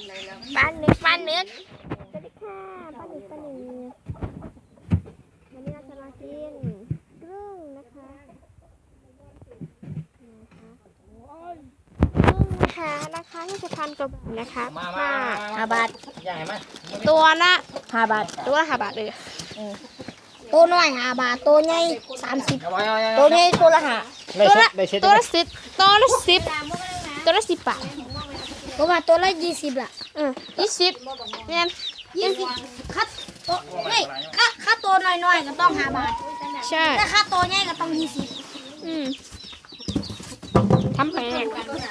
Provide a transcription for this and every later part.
ป้านึกสวัสดีค่ะป้านึกวันนี้เราจะมากินกุ้งนะคะราคา20,000 กว่าบาทนะคะมา 5 บาทตัวละ 5 บาท 5 บาทเลยตัวน้อย5 บาทตัวใหญ่30ตัวใหญ่ตัวละ5 ตัวละ10ตัวละ10 บาทตัวมาตัวละ20ละ 20เนี่ย 20คัดตัวนี่ค่าตัวน้อยๆก็ต้อง5 บาทใช่แต่ค่าตัวใหญ่ก็ต้อง20 ทำแพง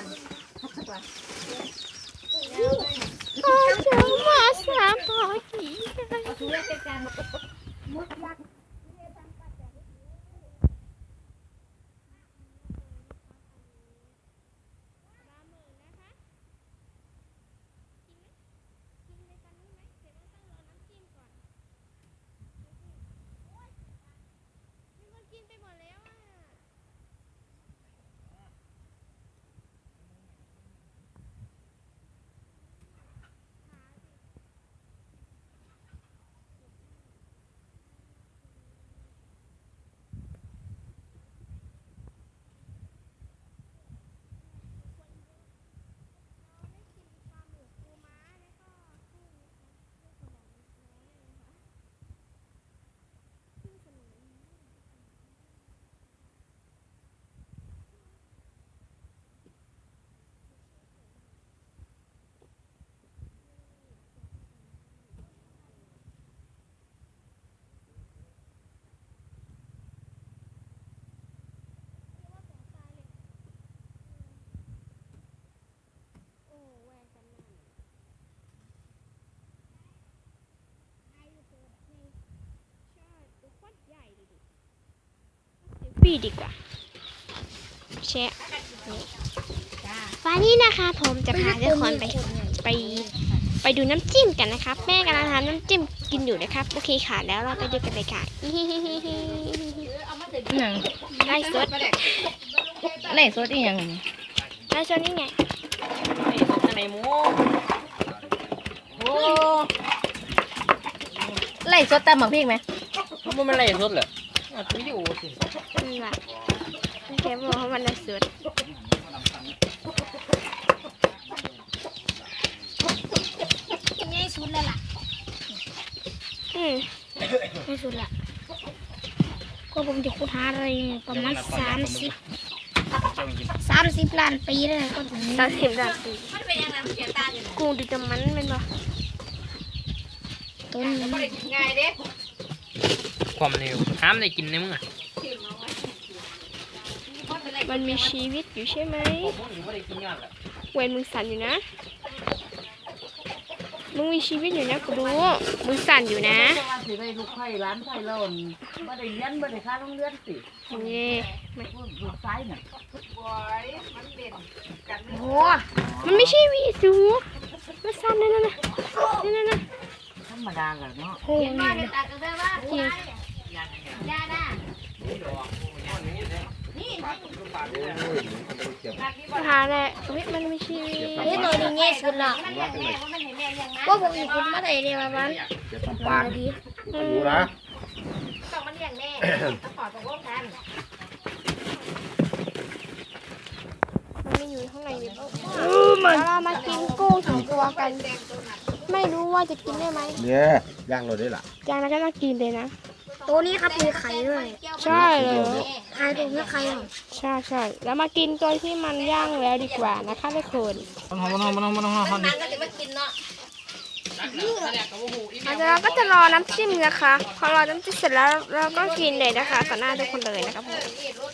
มาสามพอกี่ปีดีกว่าแชะวันนี้นะคะผมจะพาทุกคนไปดูน้ำจิ้มกันนะครับแม่กำลังทำน้ำจิ้มกินอยู่นะครับโอเคค่ะแล้วเราไปดูกันเลยค่ะไล่สดอีหยังไล่สดนี่ไงอะไรหมูไล่สดตามหมักพริกไหมมันไล่สดเหรอวิดีโอสินี่แหละแค่บอกว่ามันไล่สดง่ายสุดแล้วล่ะง่ายสุดละก็ผมจะคุดหาอะไรประมาณ30 ล้านปีเลยก็ถึง 30 ล้านปีกูดูแต่มันเป็นบ่ต้นง่ายเด้ความเร็วห้ามได้กินในมึงอ่ะมันมีชีวิตอยู่ใช่ไหมเว้นมึงสั่นอยู่นะมึงมีชีวิตอยู่นะกูรู้มึงสั่นอยู่นะสิได้ลูกไข่ร้านไข่เราบ่ได้เลี้ยนบ่ได้ค่าโรงเรียนสินี่ลูกซ้ายน่ะโอ้มันไม่ใช่วีสูมันสั่นนั่นธรรมดาแหละเนาะโหนี่จริงหาแหละมันไม่ใช่นี่หน่อยนี่ง่ายสุดละก็ผมอีกคนมาได้เลยประมาณดีอยู่นะต้องมันเลี้ยงแน่ต้องขอตกลงกันมันไม่อยู่ข้างในเลยเรามากินกุ้ง2 ตัวกันไม่รู้ว่าจะกินได้ไหมเนี่ยย่างเราได้ล่ะย่างแล้วก็ต้องกินเลยนะตัวนี้ครับมีไข่ด้วยใช่เลยไข่ตัวนี้ไข่หรอใช่แล้วมากินตัวที่มันย่างแล้วดีกว่านะคะทุกคนมันเราก็จะรอน้ำจิ้มนะคะพอรอน้ำจิ้มเสร็จแล้วเราก็กินเลยนะคะต่อหน้าทุกคนเลยนะครับผม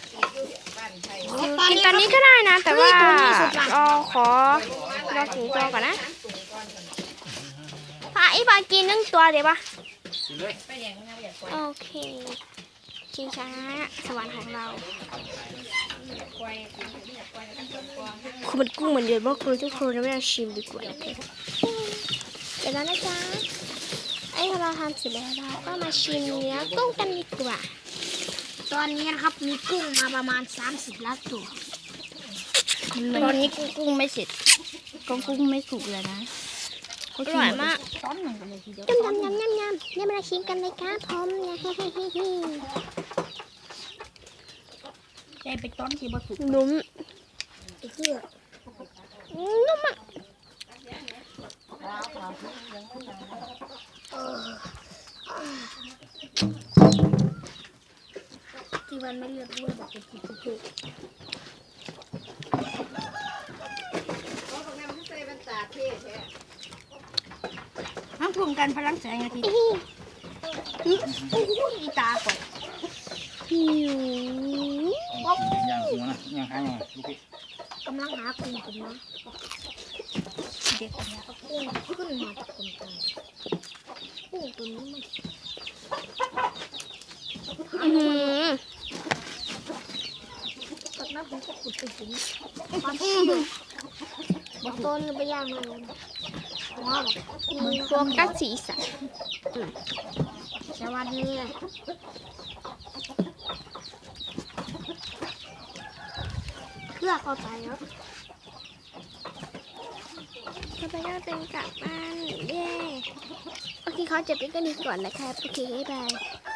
กินตอนนี้ก็ได้นะแต่ว่าขอถึงตัวก่อนนะไอ้บากิน1 ตัวเดี๋ยวปะโอเคชิงช้าสวรรค์ของเราคือมันกุ้งเหมือนเดิมว่าครูทุกคนไม่ได้ชิมดีกว่าเดี๋ยวนะจ๊ะไอ้เราทำเสร็จแล้วเราก็มาชิมเนื้อกุ้งกันดีกว่าตอนนี้นะครับมีกุ้งมาประมาณ30 ล้านตัวตอนนี้กุ้งไม่เสร็จกุ้งไม่สุกเลยนะอร่อยมากต้นหนึ่งกันเลยทีเดียวยำเนี่ยมาชิมกันเลยครับผมเนี่ยได้ไปต้นที่บ่สุกนุ่มไอ้เหี้ยนุ่มอ่ะที่วันไม่เลือกด้วยแบบเป็นทุกห้ามพวงกันพลังแสงอาทิตย์อีตาก่อนหิวย่างหัวนะย่างหางลูกพี่กำลังหาคุณกันนะเด็กคนนี้ก็พุ่งขึ้นมาจากคนตายพุ่งตัวนี้มัน ตัดน้ำผมก็ขุดไปถึงบอกต้นไปย่างเลยว้าวโฟกัสสีสันสวัสดีเพื่อเข้าใจแล้วต่อไปก็เป็นกลับบ้านเย้โอเคเขาจะเป็นกันนี้ก่อนนะครับโอเคบ๊ายบาย